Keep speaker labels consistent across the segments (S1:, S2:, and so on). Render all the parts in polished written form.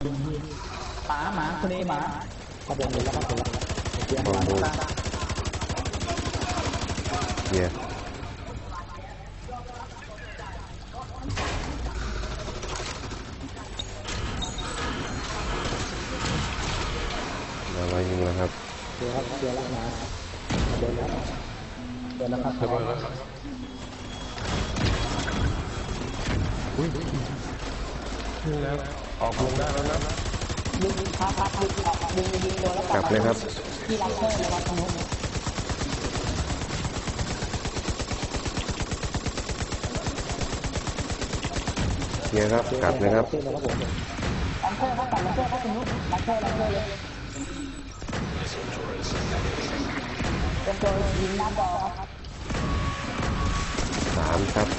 S1: หมาคนนี้หมาขบวนเลยแล้วครับผมเดี๋ยวมาดู
S2: เย้มายิงแล้วครับ
S1: เดี๋ยวครับเดี๋ยวแล้วนะเดี๋ยวแล้วเดี๋ยวนะครับ
S2: อุ้ยนี่แล้วออกลงได้แล้วนะ
S1: ดึงพักดึงโดนแล้ว
S2: กลับเลยครับ
S1: ที่รับเพิ่มเลยครับตรงนู้น
S2: เนี่ยครับกลับเลยครับ
S1: ลังเพิ่มครับลังเพิ่มครับตรงนู้นลังเพิ่มเลยเป็นตัวยิงหน้าบอลครับ
S2: 3ครับ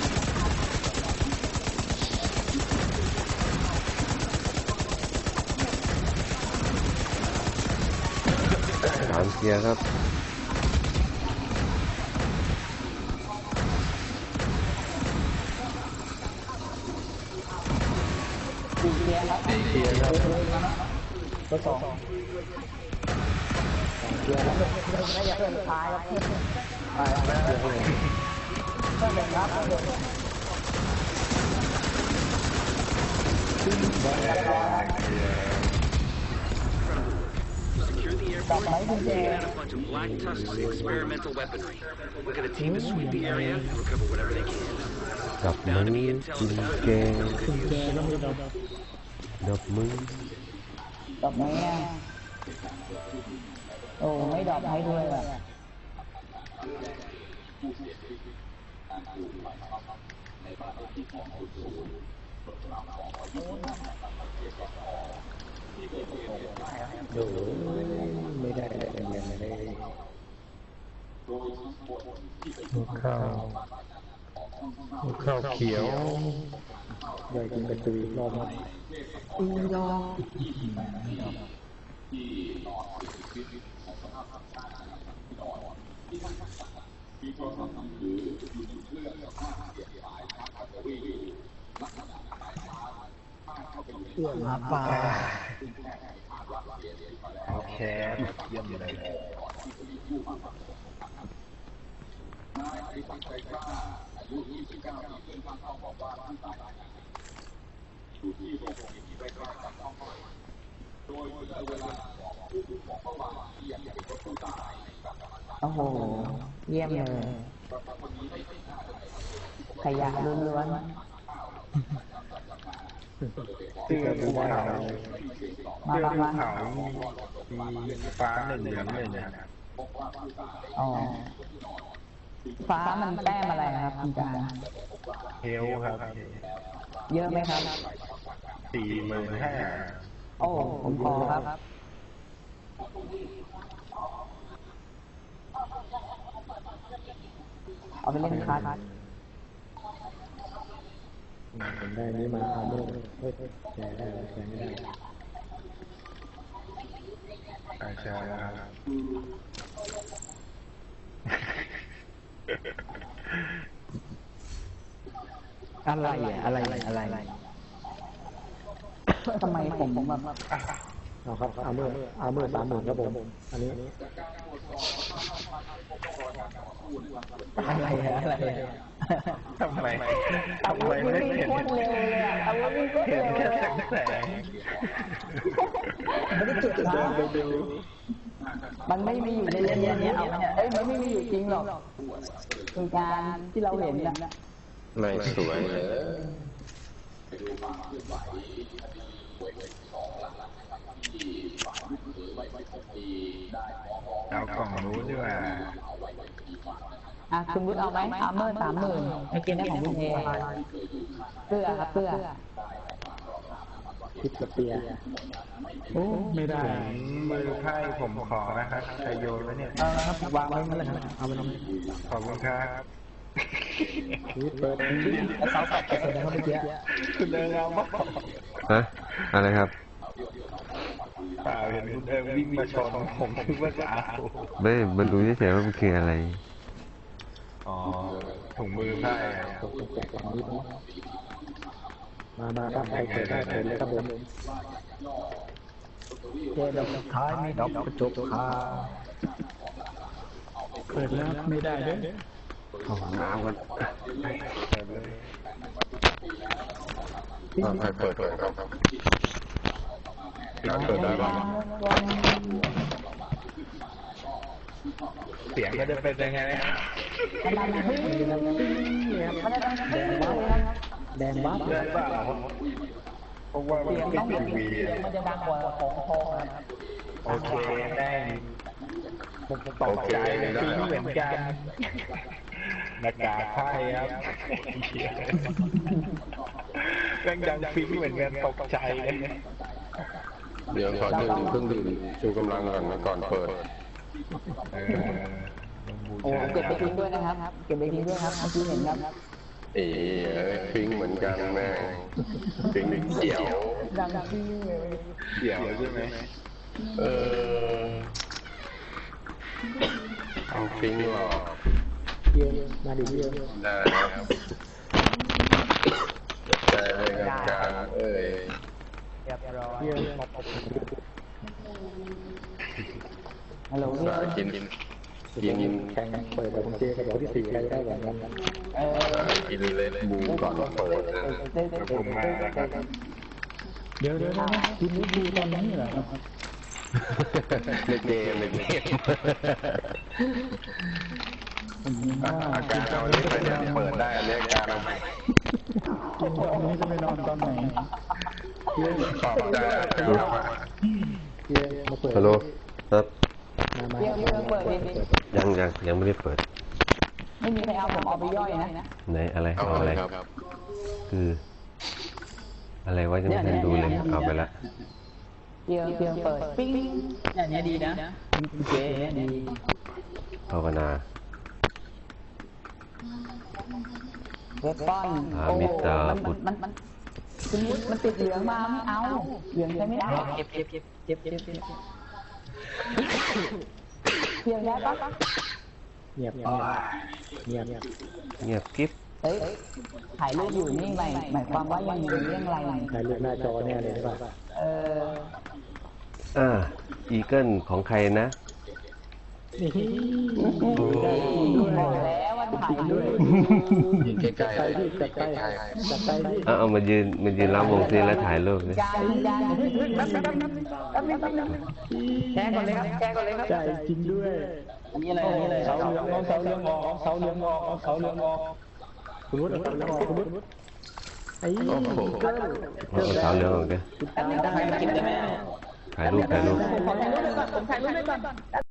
S2: 3เคลียร์ครับ
S1: 4เคลียร์ครับ4เคลียร์ครับก็2เคลียร์แล้วไม่อยากเล่นท้ายครับไปก็เล่นครับ
S3: Secure the airport and get out a bunch of Black Tusk's experimental weaponry. We're gonna team to sweep the area and recover whatever they can.
S2: ดับมือกินแกงดับมือ
S1: ดอกไม้โอ้ไม่ดอกให้ด้วยอ่ะ
S4: ดูไม่ได้ข้าวเขียวอยากกินกระตือรอบมั้ย
S1: รอหมาป่า
S4: โอเคเยี่ยมเลย
S1: โอ้โหเยี่ยมเลยขยะล้วน
S4: เสื้อภูเขาเสื้อภูเขามีฟ้า1เหลือง1นะ
S1: อ๋อฟ้ามันแต้มอะไรครับคุณจารย์
S4: เฮลครับ
S1: เยอะไหมครับ
S4: 45,000
S1: โอ้ผมพอครับเอาไปเล่นคัส
S4: ผมได้นี้มาเอาด้วยแชร์ได้แชร์ไม่ได้แชร์แล้ว
S1: อะไรทำไมผมแบบ
S4: เอาครับเอาเมื่อ30,000ครับผมอันนี้
S1: อะไร
S4: ทำไมไม่เห็นเห็นแค่แสง
S1: ไม่ได้จุดนะมันไม่มีอยู่ในเรื่องนี้เอาเนี่ยมันไม่มีอยู่จริงหรอกคือการที่เราเห็นนะ
S2: ไม่สวยเลย
S4: เอากล่องรู้ดีกว่า
S1: คุณวุฒิเอาไหมอาร์เมอร์30,000ไม่กินได้ของคุณเอเสื้อครับเสื้อ
S4: คิดสเปียโอ้ไม่ได้มือไพ่ผมขอนะครับใครโยนไว้เนี่ย
S1: ครับวางไว้นั่นเลยครับเอาไปทำ
S4: ขอบคุณครับ
S1: เปิดเสาแตกเสร็จแล้วเมื่อกี้
S4: คุณเดินเอาบ้า
S2: ฮะอะไรครับ
S4: เปล่าเห็นคุณเดินวิ่งมาชนผมคิดว่าจะเอา
S2: ไม่มันรู้เฉยๆว่ามันคืออะไร
S4: อ๋อถุงมือไพ่
S1: มาครับใครเกิดได้เกิดเลยครับผมเจดอกสุดท้ายมีดอกกระจกคา
S2: เปิดแล้วไม่ได้เด้อ
S5: เข้าห้องน้ำกันใครเปิดครับเปิดได้บ้าง
S4: เสียงก็จะเป็นยังไงนะ
S1: แดงบัฟ
S4: ได้เปล่าเพราะว่ามัน
S1: เสียง
S4: เป็น
S1: ต้อง
S4: ทีวี
S1: มันจะดังกว่าของทองครับ
S4: โอเคแม่งผมตกใจเลยฟิ้งเหมือนกันหน้ากากไพ่ครับแม่งดังฟิ้งเหมือนกันตกใจเลย
S5: เดี๋ยวขอดื่มเครื่องดื่มชูกำลังก่อนนะก่อนเปิด
S1: โอ้เก็บไปทิ้งด้วยนะครับเก็บไปทิ้งด้วยครับเมื่อกี้เห็นครับ
S5: เอ๋ฟิงเหมือนกันแม่ฟิงเขียว
S1: ดังที่เลย
S4: เดี๋ยวใช่ไหม
S5: เอาฟิงหรอ
S1: เยอะมาดิเยอะ
S5: ได้ครับได้เลยครับการเอ้ย
S1: เรียบร้อยฮัลโหล
S5: สากิน
S1: แข่งเปิดแบบเจ๊กระบอกที่4ได้แบบนั้น
S5: กินเลยบูก่อนเปิดนะ
S4: ผมมาแล้วครับ
S2: เดี๋ยวคุณรู้ดูตอนนี้เหรอครับ
S5: ในเกมอาการเอาเนี้ไปเนี่ยเปิดได้อันนี้อาการเอาไป
S2: กินตอนนี้จะไปนอนตอนไหน
S5: ตอบได้อาการเอาไป
S6: ฮัลโหลครับ
S1: เดี๋ยวเปิดดิ
S6: ยังไม่ได้เปิด
S1: ไม่มีใครเอาผมเอาไปย่อยนะ
S6: ไหนอะไร
S5: เอา
S6: เอา
S5: อะ
S6: อะไร ไร
S5: ครับ
S6: คืออะไรวะยังไม่ทันดูเลยเอาไปละ
S1: เดี๋ยวเปิดปิ้งเนี่ยดีนะเก๋ดี
S6: ภาวนา
S1: เว็บป้อนโอ้มันติดเหลืองมาไม่เอาเหลืองใช้ไม่ได้เก็บเพียงได้ปะ
S2: เงียบ
S6: เงียบกิ๊บ
S1: เฮ้ยถ่ายรูปอยู่นี่หมายความว่ายังมีเรื่องอะไร
S2: ถ่ายรูปหน้าจอแน่เลยใช่ป่ะ
S6: อีเกิลของใครนะ
S1: บอกแล้วว่าถ่ายรูป
S5: ยิงใกล้ๆเลยใกล้
S6: เอามายืนล้อมวงซิแล้วถ่ายรูปเลย
S1: จานแชร์ก่อนเลยครับ
S2: ใช่จริงด้วย
S1: อันนี้เลย
S2: เสาเหลืองเสาเหลืองออกเสาเหลืองออกเสาเหลืองออกคุณวุฒิเสาเหลืองออกคุณวุฒิไอ้
S5: โอ้โห
S6: เอาเสาเหลืองออกเด้อ
S1: อันนี้ได้ไหมกินได้ไหม
S6: ถ่ายรูป
S1: ผมถ่ายรูปไปก่อน